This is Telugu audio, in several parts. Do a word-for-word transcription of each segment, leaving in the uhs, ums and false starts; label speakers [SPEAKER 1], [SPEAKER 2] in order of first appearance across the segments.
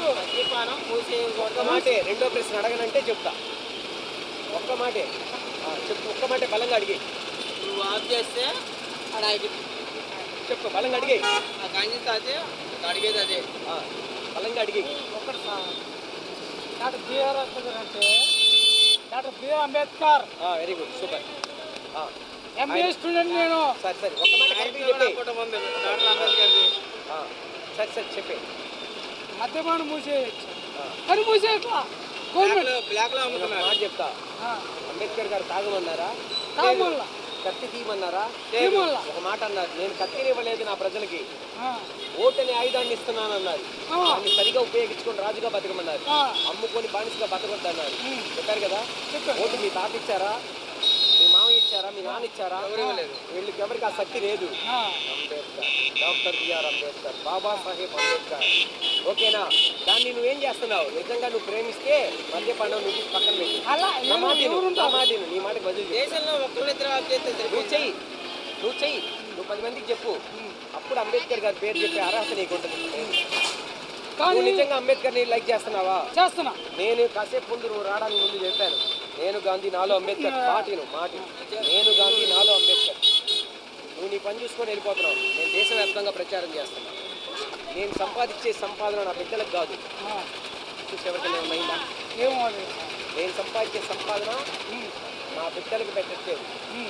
[SPEAKER 1] మద్యపానం మూసే
[SPEAKER 2] ఒక్క మాటే రెండో ప్రశ్న అడగనంటే చెప్తా. ఒక్క మాటే చెప్పు, ఒక్క మాటే బలంగా అడిగి.
[SPEAKER 1] నువ్వు ఆఫ్ చేస్తే అక్కడ
[SPEAKER 2] చెప్పు, బలంగా అడిగి.
[SPEAKER 1] ఆ గాంధీ తాతే అడిగేది అదే
[SPEAKER 2] బలంగా అడిగి.
[SPEAKER 3] ఒకటి సార్ డాక్టర్ బిఆర్ అంబేద్కర్ అంటే doctor BR Ambedkar.
[SPEAKER 2] Very good, super.
[SPEAKER 3] MBA student నేను.
[SPEAKER 2] సరే సరే ఒక్క మాట కరెక్ట్గా చెప్పి.
[SPEAKER 1] డాక్టర్ అంబేద్కర్ది.
[SPEAKER 2] సరే సరే చెప్పే.
[SPEAKER 3] మద్యపానం మూసేయచ్చు కానీ మూసేయట్లా గవర్నమెంట్.
[SPEAKER 1] బ్లాక్ లో
[SPEAKER 2] ఒక మాట చెప్తా. అంబేద్కర్ గారు తాగమన్నారా?
[SPEAKER 3] తాగమల్లా.
[SPEAKER 2] కత్తి తీయమన్నారా?
[SPEAKER 3] తీయమల్లా.
[SPEAKER 2] ఒక మాట అన్నారు, నేను కత్తిని ఇవ్వలేదు నా ప్రజలకి, ఓటని ఆయుధాన్ని ఇస్తున్నాను అన్నారు. దాన్ని సరిగా ఉపయోగించుకొని రాజుగా బతకమన్నారు, అమ్ముకొని బానిసగా బతకొద్దన్నారు. చెప్పారు కదా. ఓటు మీ తాత ఇచ్చారా, మీ మామ ఇచ్చారా, మీ నాన్న ఇచ్చారా? వీళ్ళకి ఎవరికి ఆ శక్తి లేదు. Ambedkar, doctor BR Ambedkar, Babasaheb Ambedkar. ఓకేనా? దాన్ని నువ్వేం చేస్తున్నావు? నిజంగా నువ్వు ప్రేమిస్తే మద్యపానం నువ్వు పక్కన పెట్టి నా మాటను నీ మాటకి బదులు
[SPEAKER 1] దేశంలో ఒక్కరిద్దరు ఆఫ్ చేస్తే
[SPEAKER 2] నువ్వు చెయ్యి, నువ్వు చెయ్యి, నువ్వు పది మందికి చెప్పు. అప్పుడు అంబేద్కర్ గారి పేరు చెప్పే అర్హత నీకు ఉంటుంది. నువ్వు నిజంగా అంబేద్కర్ని లైక్ చేస్తున్నావా?
[SPEAKER 3] చేస్తున్నా.
[SPEAKER 2] నేను కాసేపు ముందు నువ్వు రావడానికి ముందు చెప్పాను, నేను గాంధీ నాలో అంబేద్కర్. మాటిను మాటి నేను గాంధీ నాలో అంబేద్కర్. నువ్వు నీ పని చూసుకొని వెళ్ళిపోతున్నావు. నేను దేశవ్యాప్తంగా ప్రచారం చేస్తున్నాను. నేను సంపాదించే సంపాదన నా బిడ్డలకు కాదు. చూసి ఎవరికైనా ఏమైందా?
[SPEAKER 3] ఏమో
[SPEAKER 2] నేను సంపాదించే సంపాదన నా బిడ్డలకు పెట్టట్లేదు.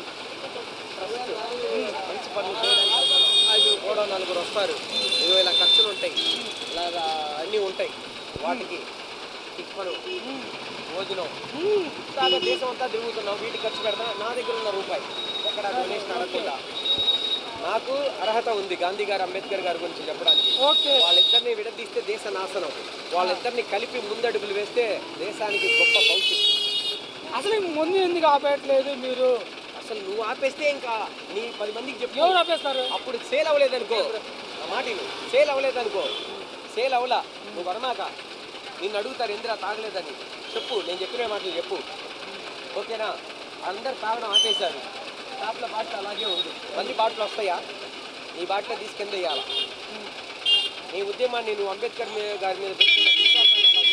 [SPEAKER 2] మంచి పనులు చేయడానికి కూడా నలుగురు వస్తారు, ఇరవై వేల ఖర్చులు ఉంటాయి, ఇలాగా అన్నీ ఉంటాయి. వాటికి టిఫను, భోజనం, ఇలాగా దేశం అంతా తిరుగుతున్నావు. వీటికి ఖర్చు పెడతా. నా దగ్గర ఉన్న రూపాయి ఎక్కడ డొనేషన్ అడగకుండా నాకు అర్హత ఉంది గాంధీ గారు అంబేద్కర్ గారి గురించి చెప్పడానికి. వాళ్ళిద్దరిని విడదీస్తే దేశ నాశనం, వాళ్ళిద్దరిని కలిపి ముందడుగులు వేస్తే దేశానికి గొప్ప భవిష్యత్తు.
[SPEAKER 3] అసలు ముందు ఎందుకు ఆపేయట్లేదు మీరు?
[SPEAKER 2] అసలు నువ్వు ఆపేస్తే ఇంకా నీ పది మందికి చెప్పు.
[SPEAKER 3] ఎవరు ఆపేస్తారు?
[SPEAKER 2] అప్పుడు సేల్ అవ్వలేదనుకో, నా మాట సేల్ అవ్వలేదనుకో, సేల్ అవ్వలా నువ్వు వరమాక నిన్ను అడుగుతారు ఎందుకు తాగలేదని చెప్పు. నేను చెప్పిన మాటలు చెప్పు. ఓకేనా? అందరు తాగడం ఆపేశారు. షాప్ల బాటిల్ అలాగే ఉంది. మళ్ళీ బాటిల్ వస్తాయా? నీ బాటిల్ తీసుకెళ్ళి వేయాలా? నీ ఉద్యమాన్ని నువ్వు అంబేద్కర్ గారి మీద పెట్టుకున్న విశ్వాసాన్ని అలా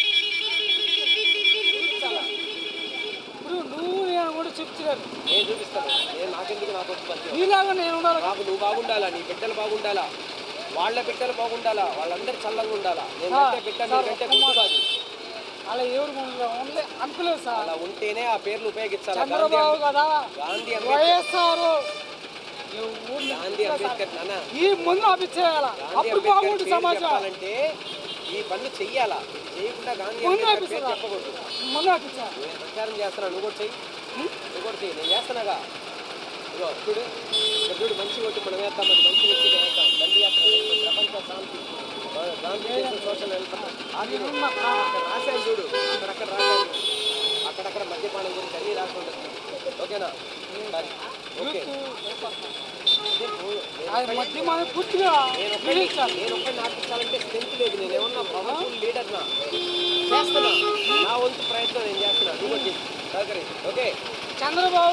[SPEAKER 3] ఇప్పుడు నువ్వు నేను కూడా చెప్తున్నాను.
[SPEAKER 2] నేను చూపిస్తాను. నేను నాకెందుకు నాకు వచ్చి
[SPEAKER 3] నీలాగా నేను ఉండాలి.
[SPEAKER 2] నాకు నువ్వు బాగుండాలా, నీ బిడ్డలు బాగుండాలా, వాళ్ళ బిడ్డలు బాగుండాలా, వాళ్ళందరూ చల్లంగా ఉండాలా. నేను అంటే బిడ్డ కంటే గుర్తు కాదు.
[SPEAKER 3] అలా ఎవరు అనుకోలేదు సార్.
[SPEAKER 2] అలా ఉంటేనే ఆ పేర్లు ఉపయోగించాలి.
[SPEAKER 3] చంద్రబాబు కదా,
[SPEAKER 2] గాంధీ
[SPEAKER 3] వైఎస్ఆర్,
[SPEAKER 2] గాంధీ అంబేద్కర్ నాన్న
[SPEAKER 3] ఈ ముందు ఆపిచ్చేయాలా, అప్పుడు బాగుంటుంది సమాజం.
[SPEAKER 2] చెప్పాలంటే ఈ పనులు చెయ్యాలా, చేయకుండా గాంధీ అంబేద్కర్ పేరు చెప్పకూడదు.
[SPEAKER 3] ముందు ఆపించాలి.
[SPEAKER 2] నేను ప్రచారం చేస్తున్నా, నువ్వు కూడా చెయ్యి, నువ్వు కూడా చెయ్యి. నేను చేస్తున్నాగా. ఇగో చూడు, చూడు, మంచి ఓటు మనం వేస్తాం, అది మంచి వ్యక్తిగా వేస్తాం. దండి యాత్ర, ప్రపంచ శాంతి, గాంధీ దేశం సోషల్ వెల్ఫేర్ రాశాను చూడు, అక్కడక్కడ రాశాను, అక్కడక్కడ మద్యపానం గురించి అన్నీ రాసి ఉంటుంది. ఓకేనా? ఓకే. నేను ఒక్కడిని ఆపించాలంటే స్ట్రెంత్ లేదు. నేను ఏమన్నా పవర్ఫుల్ లీడర్ నా చేస్తున్నా, నా వంతు ప్రయత్నం నేను చేస్తున్నా. నువ్వు సహకరి. ఓకే.
[SPEAKER 3] చంద్రబాబు